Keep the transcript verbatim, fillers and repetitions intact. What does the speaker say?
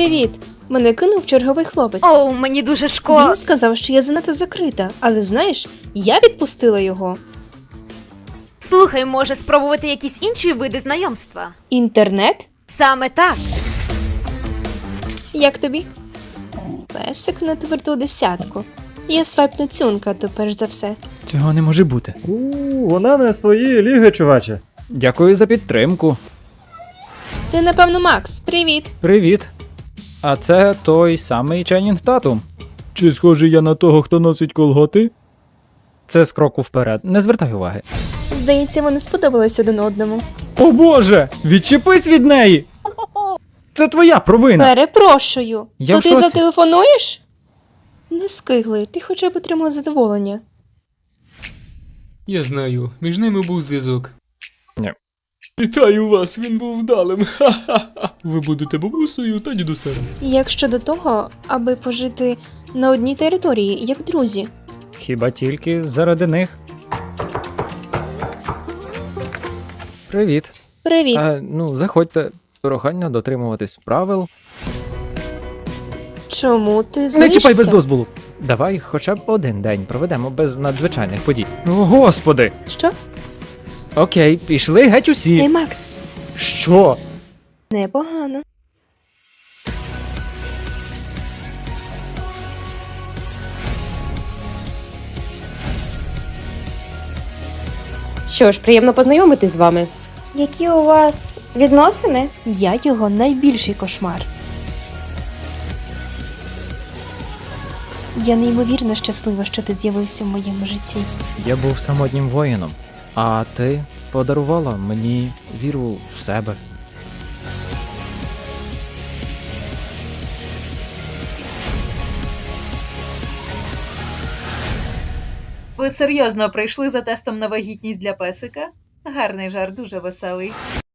Привіт! Мене кинув черговий хлопець. Оу, мені дуже шкода. Він сказав, що я занадто закрита, але знаєш, я відпустила його. Слухай, може спробувати якісь інші види знайомства? Інтернет? Саме так. Як тобі? Песик на тверду десятку. Я свайпну цюнка, то перш за все. Цього не може бути. У, вона не з твоєї ліги, чуваче. Дякую за підтримку. Ти, напевно, Макс. Привіт! Привіт. А це той самий Ченнінг Татум. Чи схожий я на того, хто носить колготи? Це з кроку вперед. Не звертай уваги. Здається, вони сподобались один одному. О боже! Відчепись від неї! Це твоя провина! Перепрошую! Я То в ти шоці. зателефонуєш? Не скигли, ти хоча б отримав задоволення. Я знаю, між ними був зв'язок. Ні. Вітаю вас, він був вдалим. Ха-ха-ха. Ви будете бабусею та дідусем. Як щодо того, аби пожити на одній території, як друзі. Хіба тільки заради них? Привіт. Привіт! А, ну, заходьте. Прохання дотримуватись правил. Чому ти Не злишся? чіпай без дозволу. Давай хоча б один день проведемо без надзвичайних подій. О, господи! Що? Окей, пішли геть усі. Ей, Макс, Що? непогано. Що ж, приємно познайомитись з вами. Які у вас відносини? Я його найбільший кошмар. Я неймовірно щаслива, що ти з'явився в моєму житті. Я був самотнім воїном, а ти подарувала мені віру в себе. Ви серйозно прийшли за тестом на вагітність для песика? Гарний жарт, дуже веселий.